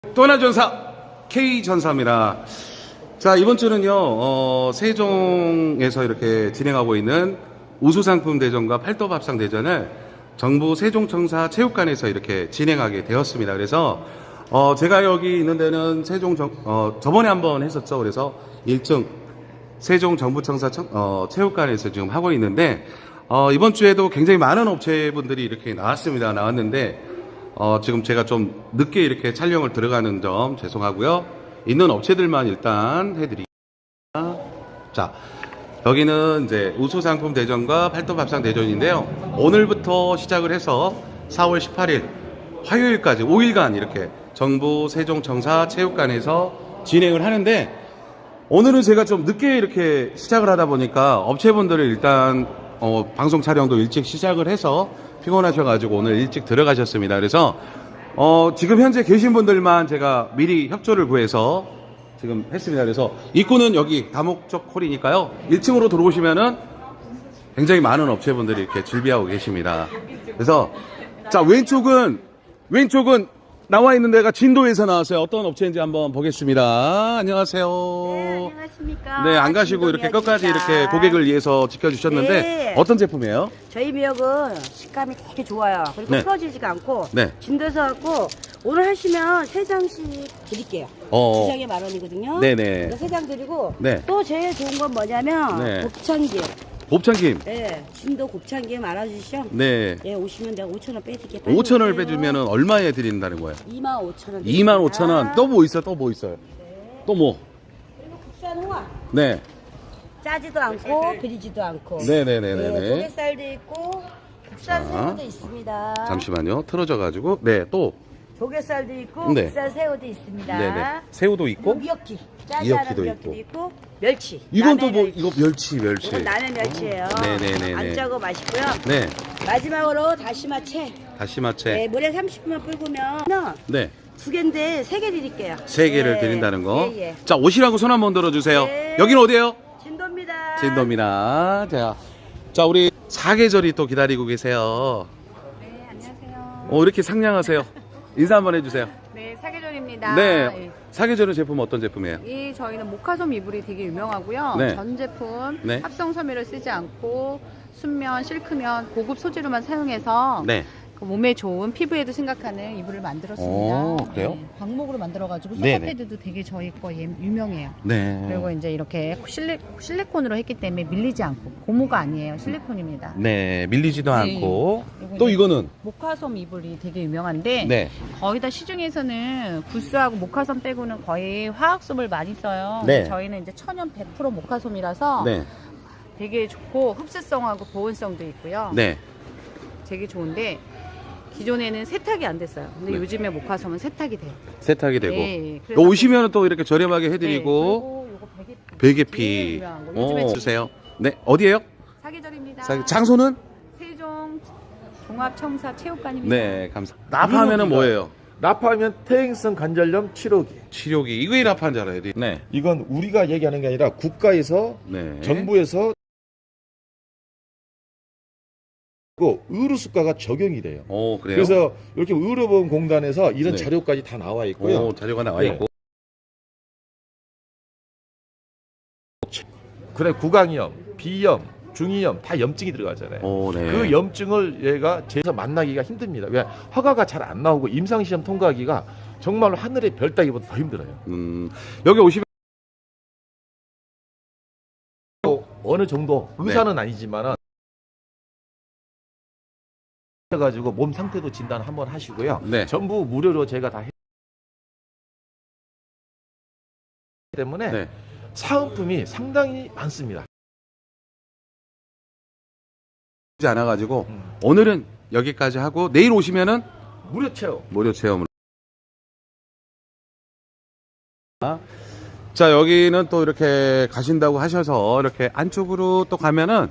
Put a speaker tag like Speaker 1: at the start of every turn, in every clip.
Speaker 1: 또 하나 전사 K전사입니다. 자, 이번 주는요 세종에서 이렇게 진행하고 있는 우수상품 대전과 팔도밥상 대전을 정부 세종청사 체육관에서 이렇게 진행하게 되었습니다. 그래서 제가 여기 있는 데는 저번에 한번 했었죠. 그래서 1층 세종정부청사 체육관에서 지금 하고 있는데 이번 주에도 굉장히 많은 업체분들이 이렇게 나왔는데 지금 제가 좀 늦게 이렇게 촬영을 들어가는 점 죄송하고요. 있는 업체들만 일단 해드리겠습니다. 자, 여기는 이제 우수상품 대전과 팔도밥상 대전인데요. 오늘부터 시작을 해서 4월 18일 화요일까지 5일간 이렇게 정부 세종청사 체육관에서 진행을 하는데, 오늘은 제가 좀 늦게 이렇게 시작을 하다 보니까 업체분들을 일단 방송 촬영도 일찍 시작을 해서 피곤하셔가지고 오늘 일찍 들어가셨습니다. 그래서 지금 현재 계신 분들만 제가 미리 협조를 구해서 지금 했습니다. 그래서 입구는 여기 다목적 홀이니까요. 1층으로 들어오시면은 굉장히 많은 업체분들이 이렇게 준비하고 계십니다. 그래서 자, 왼쪽은 나와 있는 데가 진도에서 나왔어요. 어떤 업체인지 한번 보겠습니다. 안녕하세요.
Speaker 2: 네, 안녕하십니까.
Speaker 1: 네, 안 가시고 이렇게 끝까지 이렇게 고객을 위해서 지켜주셨는데
Speaker 2: 네.
Speaker 1: 어떤 제품이에요?
Speaker 2: 저희 미역은 식감이 되게 좋아요. 그리고
Speaker 1: 네.
Speaker 2: 풀어지지가 않고
Speaker 1: 네.
Speaker 2: 진도에서 갖고 오늘 하시면 3장씩 드릴게요.
Speaker 1: 어.
Speaker 2: 2장에 10,000원이거든요.
Speaker 1: 네네.
Speaker 2: 3장 드리고
Speaker 1: 네.
Speaker 2: 또 제일 좋은 건 뭐냐면
Speaker 1: 네.
Speaker 2: 곱창김.
Speaker 1: 곱창김.
Speaker 2: 네, 진도 곱창김 알아주시죠?
Speaker 1: 네.
Speaker 2: 예, 오시면 내가 5,000원 빼드릴게요.
Speaker 1: 5,000원을 빼주면 얼마에 드린다는 거예요?
Speaker 2: 25,000원.
Speaker 1: 25,000원. 또 뭐 있어요? 또 뭐 있어요?
Speaker 2: 네.
Speaker 1: 또 뭐?
Speaker 2: 그리고 국산 홍합.
Speaker 1: 네.
Speaker 2: 짜지도 않고 비리지도 않고.
Speaker 1: 네네네네네.
Speaker 2: 네, 조개살도 있고 국산
Speaker 1: 자.
Speaker 2: 새우도 있습니다.
Speaker 1: 잠시만요. 틀어져가지고. 네, 또.
Speaker 2: 조개살도 있고
Speaker 1: 네.
Speaker 2: 국산 새우도 있습니다.
Speaker 1: 네네. 새우도 있고.
Speaker 2: 미역기.
Speaker 1: 미역기도
Speaker 2: 미역기도
Speaker 1: 있고.
Speaker 2: 있고 멸치.
Speaker 1: 이건 또
Speaker 2: 남해
Speaker 1: 뭐, 이거 멸치.
Speaker 2: 이건 남해 멸치예요.
Speaker 1: 네네네네.
Speaker 2: 안 짜고 맛있고요.
Speaker 1: 네.
Speaker 2: 마지막으로 다시마채.
Speaker 1: 다시마채.
Speaker 2: 네, 물에 30분만 불구면
Speaker 1: 네.
Speaker 2: 2개인데 3개 드릴게요.
Speaker 1: 3개를
Speaker 2: 네.
Speaker 1: 드린다는 거.
Speaker 2: 예, 예.
Speaker 1: 자, 오시라고 손 한번 들어주세요.
Speaker 2: 네.
Speaker 1: 여기는 어디예요?
Speaker 2: 진도입니다.
Speaker 1: 진도입니다. 자, 우리 사계절이 또 기다리고 계세요.
Speaker 3: 네, 안녕하세요.
Speaker 1: 이렇게 상냥하세요. 인사 한번 해주세요.
Speaker 3: 네, 사계절입니다.
Speaker 1: 네. 사계절은 제품 어떤 제품이에요?
Speaker 3: 이 저희는 모카솜 이불이 되게 유명하고요.
Speaker 1: 네.
Speaker 3: 전 제품
Speaker 1: 네.
Speaker 3: 합성 섬유를 쓰지 않고 순면, 실크면 고급 소재로만 사용해서
Speaker 1: 네.
Speaker 3: 그 몸에 좋은 피부에도 생각하는 이불을 만들었습니다.
Speaker 1: 오, 그래요?
Speaker 3: 네, 광목으로 만들어가지고
Speaker 1: 네네.
Speaker 3: 소파패드도 되게 저희 거 유명해요.
Speaker 1: 네.
Speaker 3: 그리고 이제 이렇게 실리콘으로 했기 때문에 밀리지 않고 고무가 아니에요. 실리콘입니다.
Speaker 1: 네, 밀리지도
Speaker 3: 네.
Speaker 1: 않고.
Speaker 3: 그리고
Speaker 1: 또
Speaker 3: 이제
Speaker 1: 이거는?
Speaker 3: 모카솜 이불이 되게 유명한데
Speaker 1: 네.
Speaker 3: 거의 다 시중에서는 구스하고 모카솜 빼고는 거의 화학솜을 많이 써요.
Speaker 1: 네.
Speaker 3: 근데 저희는 이제 천연 100% 모카솜이라서
Speaker 1: 네.
Speaker 3: 되게 좋고 흡수성하고 보온성도 있고요.
Speaker 1: 네.
Speaker 3: 되게 좋은데 기존에는 세탁이 안 됐어요. 근데
Speaker 1: 네.
Speaker 3: 요즘에 모카솜은 세탁이 돼요.
Speaker 1: 세탁이 되고.
Speaker 3: 네,
Speaker 1: 또
Speaker 3: 그래서
Speaker 1: 오시면 또 이렇게 저렴하게
Speaker 3: 네,
Speaker 1: 해드리고.
Speaker 3: 그리고 요거
Speaker 1: 베개피.
Speaker 3: 제일 유명한 거. 요즘에
Speaker 1: 주세요. 네. 어디에요?
Speaker 3: 사계절입니다.
Speaker 1: 장소는?
Speaker 3: 세종 종합청사 체육관입니다.
Speaker 1: 네, 감사합니다. 나파하면은 뭐예요?
Speaker 4: 나파하면 퇴행성 관절염 치료기.
Speaker 1: 치료기. 이거에 나파한 줄 알아요. 네.
Speaker 4: 이건 우리가 얘기하는 게 아니라 국가에서
Speaker 1: 네.
Speaker 4: 정부에서 의료수가가 적용이 돼요.
Speaker 1: 그래요?
Speaker 4: 그래서 이렇게 의료보험공단에서 이런
Speaker 1: 네.
Speaker 4: 자료까지 다 나와 있고요.
Speaker 1: 자료가 나와
Speaker 4: 네.
Speaker 1: 있고.
Speaker 4: 그래 구강염, 비염, 중이염 다 염증이 들어가잖아요.
Speaker 1: 네.
Speaker 4: 그 염증을 얘가 제에서 만나기가 힘듭니다. 왜 허가가 잘 안 나오고 임상시험 통과하기가 정말로 하늘의 별 따기보다 더 힘들어요.
Speaker 1: 여기 오시면
Speaker 4: 어느 정도
Speaker 1: 네.
Speaker 4: 의사는 아니지만은 해가지고 몸 상태도 진단 한번 하시고요.
Speaker 1: 네.
Speaker 4: 전부 무료로 제가 다 때문에
Speaker 1: 네.
Speaker 4: 사은품이 상당히 많습니다.
Speaker 1: 하지 않아가지고 오늘은 여기까지 하고 내일 오시면은
Speaker 4: 무료 체험.
Speaker 1: 무료 체험으로. 자, 여기는 또 이렇게 가신다고 하셔서 이렇게 안쪽으로 또 가면은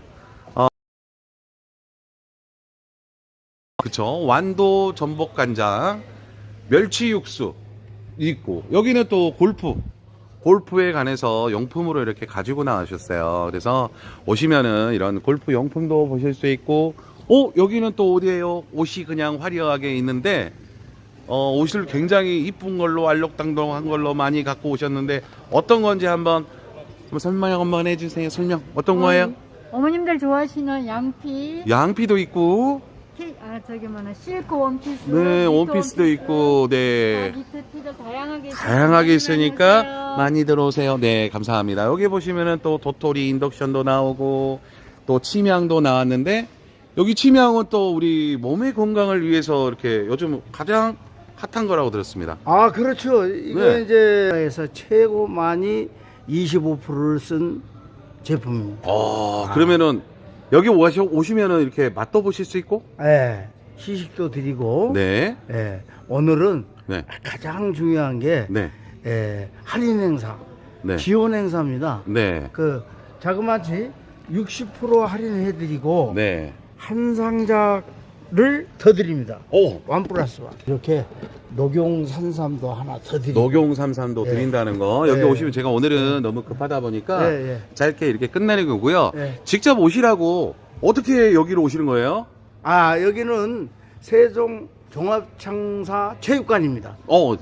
Speaker 1: 그쵸, 완도 전복간장, 멸치 육수 있고, 여기는 또 골프에 관해서 용품으로 이렇게 가지고 나오셨어요. 그래서 오시면은 이런 골프 용품도 보실 수 있고, 여기는 또 어디예요? 옷이 그냥 화려하게 있는데 옷을 굉장히 이쁜 걸로 알록달록한 걸로 많이 갖고 오셨는데 어떤 건지 한번 설명 한번 해주세요. 설명 어떤 거예요?
Speaker 5: 어머님들 좋아하시는 양피,
Speaker 1: 양피도 있고,
Speaker 5: 저기 뭐냐 실크 원피스,
Speaker 1: 네,
Speaker 5: 니트
Speaker 1: 원피스도
Speaker 5: 원피스,
Speaker 1: 있고, 네.
Speaker 5: 니트 티들 다양하게
Speaker 1: 다양하게 있으니까
Speaker 5: 많이
Speaker 1: 많이 들어오세요. 네, 감사합니다. 여기 보시면은 또 도토리 인덕션도 나오고, 또 침향도 나왔는데, 여기 침향은 또 우리 몸의 건강을 위해서 이렇게 요즘 가장 핫한 거라고 들었습니다.
Speaker 6: 아, 그렇죠. 이거
Speaker 1: 네.
Speaker 6: 이제 에서 최고 많이 25%를 쓴 제품입니다.
Speaker 1: 그러면은 여기 오시면은 이렇게 맛도 보실 수 있고,
Speaker 6: 예. 시식도 드리고.
Speaker 1: 네,
Speaker 6: 예. 오늘은
Speaker 1: 네,
Speaker 6: 가장 중요한 게
Speaker 1: 네,
Speaker 6: 할인 행사,
Speaker 1: 네,
Speaker 6: 지원 행사입니다.
Speaker 1: 네,
Speaker 6: 그 자그마치 60% 할인해 드리고
Speaker 1: 네.
Speaker 6: 한 상자를 더 드립니다.
Speaker 1: 오,
Speaker 6: 원 플러스 원. 이렇게 녹용 산삼도 하나 더 드리고.
Speaker 1: 녹용 삼삼도
Speaker 6: 예.
Speaker 1: 드린다는 거. 여기
Speaker 6: 예.
Speaker 1: 오시면 제가 오늘은 너무 급하다 보니까
Speaker 6: 예, 예.
Speaker 1: 짧게 이렇게 끝내는 거고요.
Speaker 6: 예.
Speaker 1: 직접 오시라고 어떻게 여기로 오시는 거예요?
Speaker 6: 아, 여기는 세종 종합창사 체육관입니다.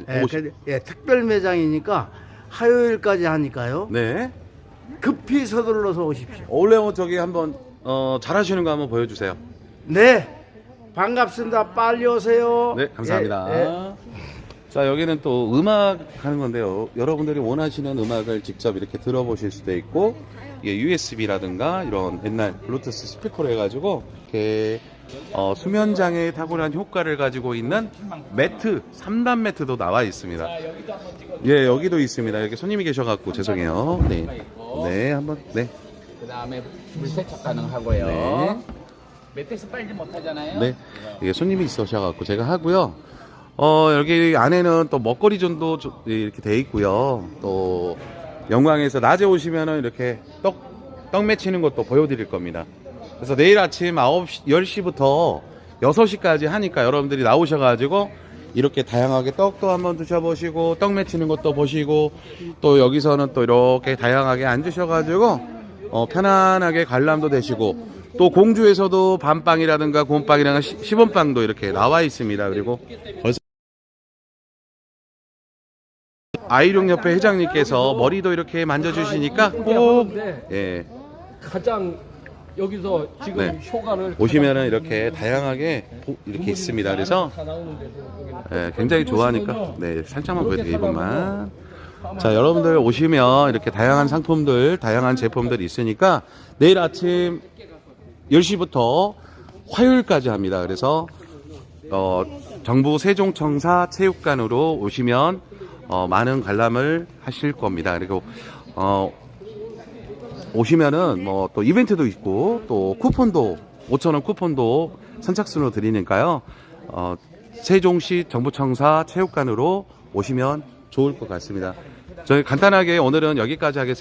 Speaker 6: 특별 매장이니까 화요일까지 하니까요.
Speaker 1: 네.
Speaker 6: 급히 서둘러서 오십시오.
Speaker 1: 원래 저기 한번 잘하시는 거 한번 보여주세요.
Speaker 6: 네, 반갑습니다. 빨리 오세요.
Speaker 1: 네, 감사합니다.
Speaker 6: 예, 예.
Speaker 1: 자, 여기는 또 음악 하는 건데요. 여러분들이 원하시는 음악을 직접 이렇게 들어보실 수도 있고, 이게 USB라든가 이런 옛날 블루투스 스피커로 해가지고 이렇게 수면장애에 탁월한 효과를 가지고 있는 매트, 3단 매트도 나와 있습니다. 예, 여기도 있습니다. 여기 손님이 계셔갖고 죄송해요. 네, 네, 한번 네,
Speaker 7: 그 다음에 물세척 가능하고요.
Speaker 1: 네.
Speaker 7: 매트스 빨지 못하잖아요.
Speaker 1: 네. 이게 손님이 있으셔갖고 제가 하고요. 여기 안에는 또 먹거리존도 이렇게 돼 있고요. 또 영광에서 낮에 오시면은 이렇게 떡 맺히는 것도 보여드릴 겁니다. 그래서 내일 아침 9시, 10시부터 6시까지 하니까 여러분들이 나오셔가지고 이렇게 다양하게 떡도 한번 드셔보시고 떡 맺히는 것도 보시고 또 여기서는 또 이렇게 다양하게 앉으셔가지고 편안하게 관람도 되시고 또 공주에서도 밤빵이라든가 곰빵이라든가 시범빵도 이렇게 나와 있습니다. 그리고 벌써 아이룡협회 회장님께서 머리도 이렇게 만져주시니까 꼭 예,
Speaker 8: 가장 여기서 지금
Speaker 1: 네.
Speaker 8: 효과를
Speaker 1: 보시면은 이렇게 다양하게 이렇게 있습니다. 그래서
Speaker 8: 다 나오는데도
Speaker 1: 예, 굉장히 좋아하니까 네, 살짝만 보여드릴게요. 이분만. 자, 여러분들 오시면 이렇게 다양한 상품들, 다양한 제품들이 있으니까 내일 아침 10시부터 화요일까지 합니다. 그래서 정부 세종청사 체육관으로 오시면 많은 관람을 하실 겁니다. 그리고 오시면은 뭐 또 이벤트도 있고 또 쿠폰도 5,000원 쿠폰도 선착순으로 드리니까요. 세종시 정부청사 체육관으로 오시면 좋을 것 같습니다. 저희 간단하게 오늘은 여기까지 하겠습니다.